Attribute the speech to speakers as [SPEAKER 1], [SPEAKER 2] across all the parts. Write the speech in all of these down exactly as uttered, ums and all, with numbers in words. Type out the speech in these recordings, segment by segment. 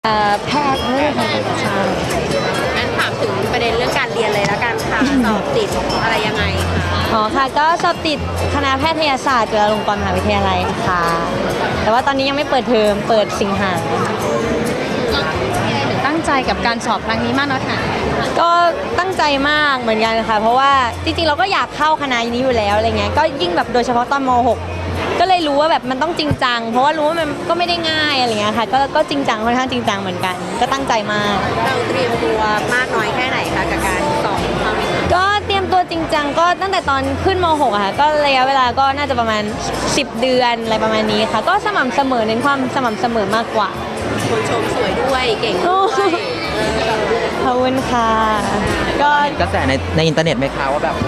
[SPEAKER 1] แพทย์ไม่ได้ทำใช่
[SPEAKER 2] งั้นถามถึงประเด็นเรื่องการเรียนเลยแล้วกันค่ะสอบติดอะไรยังไงคะ
[SPEAKER 1] อ๋อค่ะก็สอบติดคณะแพทยศาสตร์จุฬาลงกรณ์มหาวิทยาลัยค่ะแต่ว่าตอนนี้ยังไม่เปิดเทอมเปิดสิงหา
[SPEAKER 3] ตั้งใจกับการสอบครั้งนี้มากน้อยขนาดไหน
[SPEAKER 1] ก็ตั้งใจมากเหมือนกันค่ะเพราะว่าจริงๆเราก็อยากเข้าคณะนี้อยู่แล้วอะไรเงี้ยก็ยิ่งแบบโดยเฉพาะตอนม หกก็เลยรู้ว่าแบบมันต้องจริงจังเพราะว่ารู้ว่ามันก็ไม่ได้ง่ายอะไรเงี้ยค่ะก็ก็จริงจังค่อนข้างจริงจังเหมือนกันก็ตั้งใจมาก
[SPEAKER 2] เราเตรียมตัวมากน้อยแค่ไหนคะกับการสอบคราวนี้
[SPEAKER 1] ก็เตรียมตัวจริงจังก็ตั้งแต่ตอนขึ้นม หกอะค่ะก็ระยะเวลาก็น่าจะประมาณสิบเดือนอะไรประมาณนี้ค่ะก็สม่ำเสมอเน้นความสม่ำเสมอมากกว่า
[SPEAKER 2] คนชมสวยด้วยเก่งด้วย
[SPEAKER 1] ขอบคุณค่ะ
[SPEAKER 4] ก็กระแสในในอินเทอร์เน็ตไหมคะว่าแบบ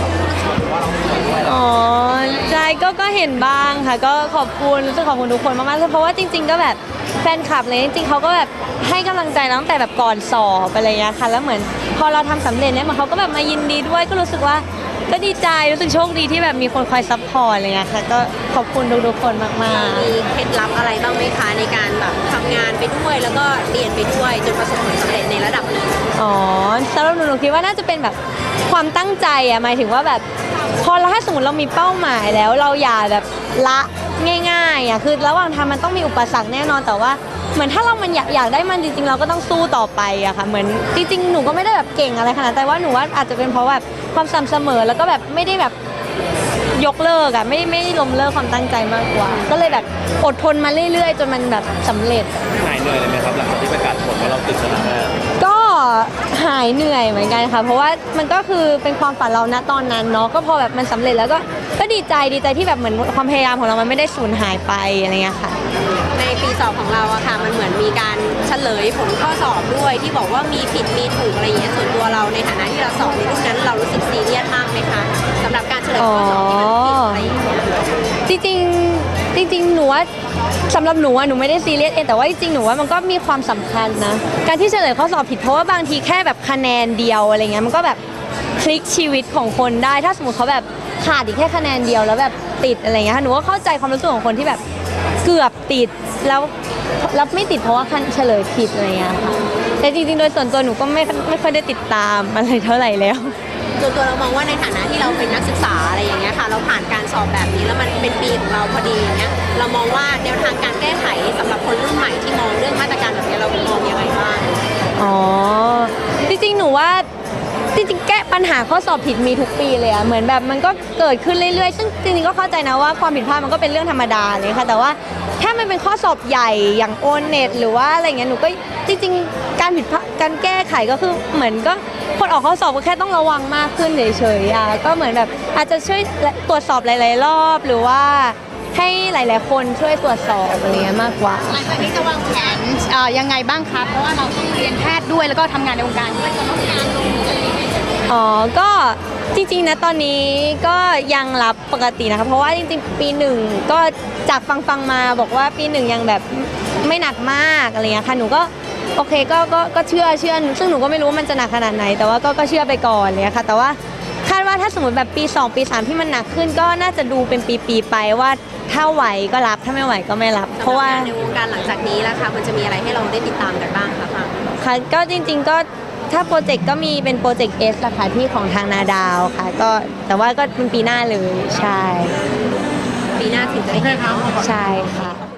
[SPEAKER 1] อ๋อใช่ก็ก็เห็นบ้างค่ะก็ขอบคุณรู้สึกขอบคุณทุกคนมากๆเพราะว่าจริงๆก็แบบแฟนคลับเลยจริงๆเขาก็แบบให้กำลังใจเราตั้งแต่แบบก่อนสอบอะไรอย่างเงี้ยค่ะแล้วเหมือนพอเราทำสำเร็จเนี่ยมันเขาก็แบบมายินดีด้วยก็รู้สึกว่าก็ดีใจรู้สึกโชคดีที่แบบมีคนคอยซัพพอร์ตอะไรเงี้ยค่ะก็ขอบคุณทุกๆคนมากๆ
[SPEAKER 2] มีเคล็ดลับอะไรบ้างไหมคะในการแบบทำงานไปด้วยแล้วก็เรียนไปด้วยจนประสบผลสำเร็จในระดับหนึ่ง
[SPEAKER 1] อ๋อสำหรับหนูหนูคิดว่าน่าจะเป็นแบบความตั้งใจอะหมายถึงว่าแบบพอเราถ้าสมมติเรามีเป้าหมายแล้วเราอย่าแบบละง่ายๆอะคือระหว่างทางมันต้องมีอุปสรรคแน่นอนแต่ว่าเหมือนถ้าเรามันอยากอยากได้มันจริงๆเราก็ต้องสู้ต่อไปอะค่ะเหมือนจริงๆหนูก็ไม่ได้แบบเก่งอะไรขนาดแต่ว่าหนูว่าอาจจะเป็นเพราะแบบความสม่ำเสมอแล้วก็แบบไม่ได้แบบยกเลิกอะไม่ไม่ล้มเลิกความตั้งใจมากกว่าก็เลยแบบอดทนมาเรื่อยๆจนมันแบบสำเร็จ
[SPEAKER 5] หายเหนื่อยเลยไหมครับหลังจากที่ประกาศผลว่าเราติดคณะแพทย์
[SPEAKER 1] ก็หายเหนื่อยเหมือนกันค่ะเพราะว่ามันก็คือเป็นความฝันเราณตอนนั้นเนาะก็พอแบบมันสำเร็จแล้วก็ก็ดีใจดีใจที่แบบเหมือนความพยายามของเรามันไม่ได้สูญหายไปอะไรเงี้ยค่ะ
[SPEAKER 2] ในปีสอบของเราอะค่ะมันเหมือนมีการเฉลยผลข้อสอบด้วยที่บอกว่ามีผิดมีถูกอะไรอย่างเงี้ยส่วนตัวเราในฐานะที่เราสอบในรุ่นนั้นเรารู้สึกซีเรียสมากไหมคะสำหรับการเฉลยข้อสอบที่มันผิดอะไรอย่างเงี้ย
[SPEAKER 1] จริงๆจริงๆหนูว่าสำหรับหนูอะหนูไม่ได้ซีเรียสเองแต่ว่าจริงๆหนูว่ามันก็มีความสำคัญนะการที่เฉลยข้อสอบผิดเพราะว่าบางทีแค่แบบคะแนนเดียวอะไรเงี้ยมันก็แบบพลิกชีวิตของคนได้ถ้าสมมติเขาแบบขาดอีกแค่คะแนนเดียวแล้วแบบติดอะไรเงี้ยหนูก็เข้าใจความรู้สึกของคนที่แบบเกือบติดแล้วแล้วไม่ติดเพราะว่าเฉลยผิดอะไรเงี้ยค่ะแต่จริงๆโดยส่วนตัวหนูก็ไม่ไม่ค่อยได้ติดตามอะไรเท่าไหร่แล้ว
[SPEAKER 2] ตัวตัวเรามองว่าในฐานะที่เราเป็นนักศึกษาอะไรอย่างเงี้ยค่ะเราผ่านการสอบแบบนี้แล้วมันเป็นปีของเราพอดีอย่างเงี้ยเรามองว่าแนวทางการแก้ไขสำหรับคนรุ่นใหม่ที่มองเรื่องมาตรการแบบนี้เรามองยังไงบ้าง
[SPEAKER 1] อ๋อจริงๆหนูว่าจริงๆแก้ปัญหาข้อสอบผิดมีทุกปีเลยอะเหมือนแบบมันก็เกิดขึ้นเรื่อยๆซึ่งจริงๆก็เข้าใจนะว่าความผิดพลาดมันก็เป็นเรื่องธรรมดาเลยค่ะแต่ว่าถ้ามันเป็นข้อสอบใหญ่อย่างโอเน็ตหรือว่าอะไรเงี้ยหนูก็จริงๆการผิดพลาดการแก้ไขก็คือเหมือนก็คนออกข้อสอบก็แค่ต้องระวังมากขึ้นเฉยๆอะก็เหมือนแบบอาจจะช่วยตรวจสอบหลายๆรอบหรือว่าให้หลายๆคนช่วยตรวจสอบอะไรเงี้ยมากกว่า
[SPEAKER 3] หลังจากนี้จะวางแผนยังไงบ้างคะเพราะว่าเราต้องเรียนแพทย์ด้วยแล้วก็ทำงานในวงการด้วยจะต้องงานลงอะไรอย่างเงี้ย
[SPEAKER 1] อ๋อก็จริงๆนะตอนนี้ก็ยังรับปกตินะคะเพราะว่าจริงๆปีหนึ่งก็จากฟังฟังมาบอกว่าปีหนึ่งยังแบบไม่หนักมากอะไรเงี้ยค่ะหนูก็โอเคก็ก็ก็เชื่อเชื่อซึ่งหนูก็ไม่รู้ว่ามันจะหนักขนาดไหนแต่ว่าก็ก็เชื่อไปก่อนเลยค่ะแต่ว่าคาดว่าถ้าสมมติแบบปีสองปีสามที่มันหนักขึ้นก็น่าจะดูเป็นปีๆไปว่าถ้าไหวก็รับถ้าไม่ไหวก็ไม่รับเพราะว่า
[SPEAKER 2] ในวงการหลังจากนี้ล่ะคะมันจะมีอะไรให้เราได้ติดตามกันบ้างคะ
[SPEAKER 1] ค่ะก็จริงๆก็ถ้าโปรเจกต์ก็มีเป็นโปรเจกต์ S ละค่ะที่ของทางนาดาวค่ะก็แต่ว่าก็เป็นปีหน้าเลยใช่
[SPEAKER 2] ปีหน้าถึงจะได้เห็น
[SPEAKER 1] ใช่ค่ะ